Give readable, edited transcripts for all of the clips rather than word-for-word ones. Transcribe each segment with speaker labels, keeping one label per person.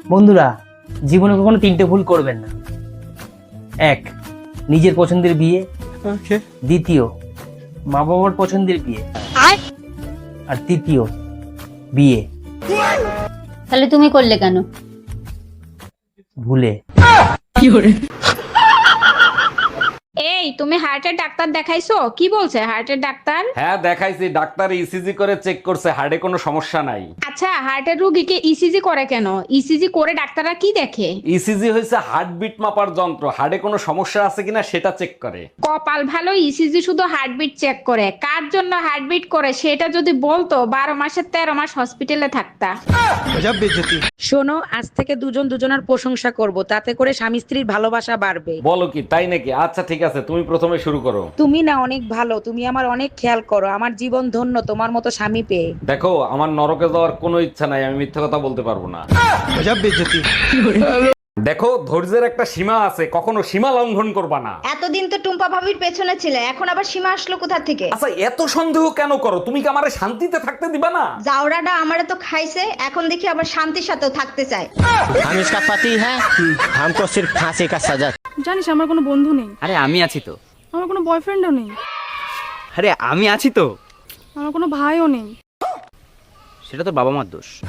Speaker 1: বন্ধুরা, জীবনে কখনো তিনটে ভুল করবেন না। এক, নিজের পছন্দের বিয়ে। দ্বিতীয়, মা বাবার পছন্দের বিয়ে। আর তৃতীয়, বিয়ে
Speaker 2: তাহলে তুমি করলে কেন?
Speaker 1: ভুলে।
Speaker 3: এই তুমি হার্টের ডাক্তার দেখাইছো? কি বলছে হার্টের ডাক্তার?
Speaker 4: হ্যাঁ দেখাইছি, ডাক্তার ইসিজি করে চেক করছে, হার্টে কোনো সমস্যা নাই।
Speaker 3: আচ্ছা, হার্টের রোগীকে ইসিজি করে কেন? ইসিজি করে ডাক্তাররা কি দেখে?
Speaker 4: ইসিজি হয়েছে হার্টবিট মাপার যন্ত্র, হার্টে কোনো সমস্যা আছে কিনা সেটা চেক করে।
Speaker 3: কপাল ভালো, ইসিজি শুধু হার্টবিট চেক করে। কার জন্য হার্টবিট করে সেটা যদি বলতো 12 মাসের 13 মাস হসপিটালে থাকতা।
Speaker 5: শোনো, আজ থেকে দুজন দুজনের প্রশংসা করব, তাতে করে স্বামী স্ত্রীর ভালোবাসা বাড়বে।
Speaker 4: বলো কি, তাই নাকি? আচ্ছা ঠিক আছে, তুমি প্রথমে শুরু করো।
Speaker 5: তুমি না অনেক ভালো, তুমি আমার অনেক খেয়াল করো, আমার জীবন ধন্য তোমার মতো স্বামী পেয়ে।
Speaker 4: দেখো, আমার নরকে যাওয়ার কোনো ইচ্ছা নাই, আমি মিথ্যা কথা বলতে পারবো না। দেখো, ধৈর্যের একটা সীমা আছে, কখনো সীমা লঙ্ঘন করবা না।
Speaker 6: এতদিন তো টুম্পা ভাবির পেছনে ছিলে, এখন আবার সীমা আসলো কোথা থেকে?
Speaker 4: আচ্ছা, এত সন্দেহ কেন করো? তুমি কি আমারে শান্তিতে থাকতে দিবা না?
Speaker 6: জাউরাটা আমারে তো খাইছে, এখন দেখি আবার শান্তির সাথেও থাকতে চায়।
Speaker 7: हम इसका पति है, हमको सिर्फ फांसी का सजा।
Speaker 8: জানিস আমার কোনো বন্ধু নেই,
Speaker 9: আরে আমি আছি তো।
Speaker 8: আমার কোনো বয়ফ্রেন্ডও নেই,
Speaker 9: আরে আমি আছি তো।
Speaker 8: আমার কোনো ভাইও নেই।
Speaker 9: সেটা তো বাবা মার দোষ।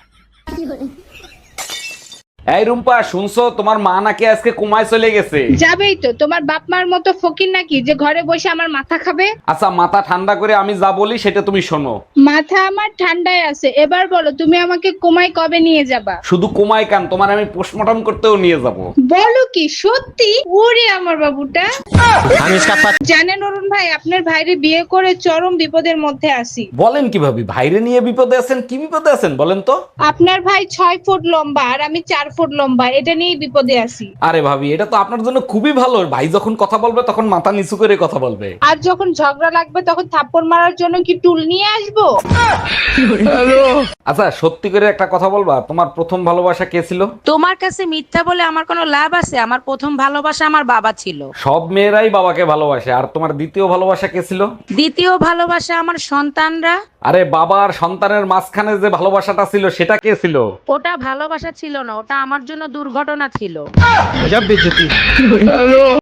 Speaker 4: এই রুম্পা, শুনছো তোমার মা নাকি আজকে কোমায় চলে গেছে?
Speaker 3: যাবেই তো, তোমার বাপ মার মতো ফকির নাকি যে ঘরে বসে আমার মাথা খাবে?
Speaker 4: আচ্ছা, মাথা ঠান্ডা করে আমি যা বলি সেটা তুমি শোনো।
Speaker 3: মাথা আমার ঠান্ডায় আছে, এবার বলো তুমি আমাকে কোমায় কবে নিয়ে যাবা?
Speaker 4: শুধু কোমায় কান, তোমার আমি পোস্টমর্টম করতেও নিয়ে যাব।
Speaker 3: বলো কি সত্যি? ওরে আমার বাবুটা।
Speaker 7: हम इसका पति।
Speaker 3: জানেন অরুণ ভাই, আপনার ভাইরে বিয়ে করে চরম বিপদের মধ্যে আছি।
Speaker 4: বলেন কিভাবে? ভাইরে নিয়ে বিপদে আছেন? কি বিপদে আছেন বলেন তো?
Speaker 3: আপনার ভাই 6 ফুট লম্বা আর আমি 4 ফুট লম্বা, এটা নিয়েই বিপদে আছি।
Speaker 4: আরে ভাবি, এটা তো আপনার জন্য খুবই ভালো। ভাই যখন কথা বলবে তখন মাথা নিচু করে কথা বলবে।
Speaker 3: আর যখন ঝগড়া লাগবে তখন থাপ্পড় মারার জন্য কি টুল নিয়ে আসবো?
Speaker 4: আচ্ছা, সত্যি করে একটা কথা বলবা, তোমার প্রথম ভালোবাসা কে ছিল?
Speaker 5: তোমার কাছে মিথ্যা বলে আমার কোনো লাভ আছে? আমার প্রথম ভালোবাসা আমার বাবা ছিল।
Speaker 4: সব মেয়েরাই বাবাকে ভালোবাসে। আর তোমার দ্বিতীয় ভালোবাসা কে ছিল?
Speaker 5: দ্বিতীয় ভালোবাসা আমার সন্তানরা।
Speaker 4: আরে বাবা আর সন্তানের মাঝখানে যে ভালোবাসাটা ছিল সেটা কে ছিল?
Speaker 5: ওটা ভালোবাসা ছিল না, ওটা আমার জন্য দুর্ঘটনা ছিল।